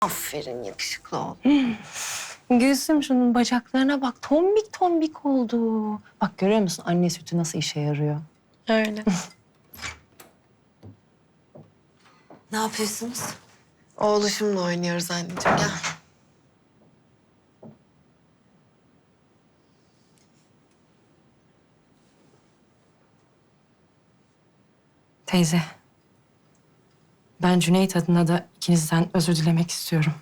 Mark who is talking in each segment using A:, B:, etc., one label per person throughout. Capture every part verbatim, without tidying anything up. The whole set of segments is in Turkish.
A: Aferin yakışıklı ol.
B: Gülsüm şunun bacaklarına bak. Tombik tombik oldu. Bak görüyor musun anne sütü nasıl işe yarıyor?
A: Öyle.
C: Ne yapıyorsunuz?
A: Oğluşumla oynuyoruz anneciğim. Gel.
B: Teyze. Ben Cüneyt adına da ikinizden özür dilemek istiyorum.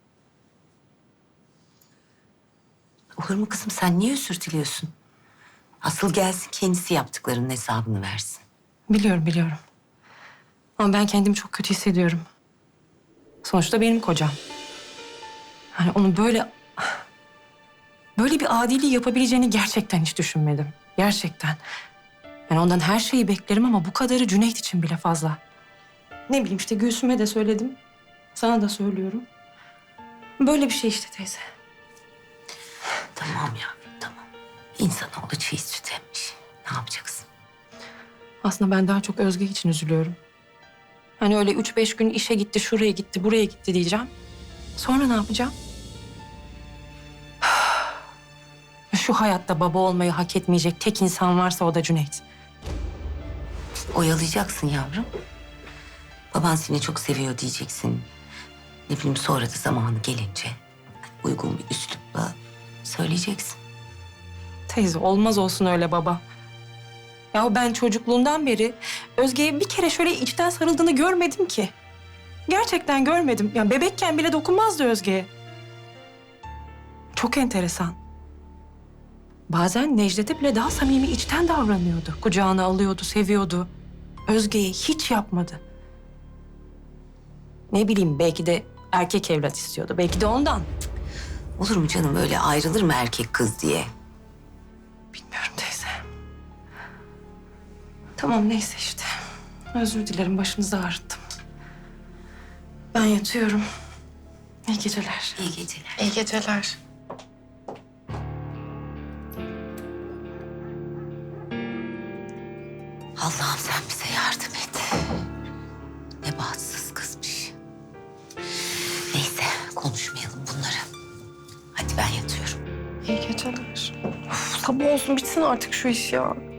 C: Olur mu kızım, sen niye özür diliyorsun? Asıl gelsin kendisi yaptıklarının hesabını versin.
B: Biliyorum biliyorum. Ama ben kendimi çok kötü hissediyorum. Sonuçta benim kocam. Hani onu böyle... Böyle bir adiliği yapabileceğini gerçekten hiç düşünmedim. Gerçekten. Ben ondan her şeyi beklerim ama bu kadarı Cüneyt için bile fazla. Ne bileyim işte Gülsüm'e de söyledim. Sana da söylüyorum. Böyle bir şey işte teyze.
C: Tamam yavrum, tamam. İnsanoğlu çiğ süt emmiş. Ne yapacaksın?
B: Aslında ben daha çok Özge için üzülüyorum. Hani öyle üç beş gün işe gitti, şuraya gitti, buraya gitti diyeceğim. Sonra ne yapacağım? Şu hayatta baba olmayı hak etmeyecek tek insan varsa o da Cüneyt.
C: Oyalayacaksın yavrum. Baban seni çok seviyor diyeceksin. Ne bileyim, sonra da zamanı gelince uygun bir üslupla söyleyeceksin.
B: Teyze olmaz olsun öyle baba. Ya ben çocukluğundan beri Özge'ye bir kere şöyle içten sarıldığını görmedim ki. Gerçekten görmedim. Yani bebekken bile dokunmazdı Özge'ye. Çok enteresan. Bazen Necdet'e bile daha samimi içten davranıyordu. Kucağına alıyordu, seviyordu. Özge'ye hiç yapmadı. Ne bileyim belki de erkek evlat istiyordu. Belki de ondan.
C: Olur mu canım, öyle ayrılır mı erkek kız diye?
B: Bilmiyorum teyze. Tamam neyse işte. Özür dilerim başınızı ağrıttım. Ben yatıyorum. İyi geceler.
C: İyi geceler.
A: İyi geceler.
C: Allah'ım sen bize yardım et. Ne bahtsız kızmış. Neyse, konuşmayalım bunları. Hadi ben yatıyorum.
A: İyi geceler. Uf, sabah olsun bitsin artık şu iş ya.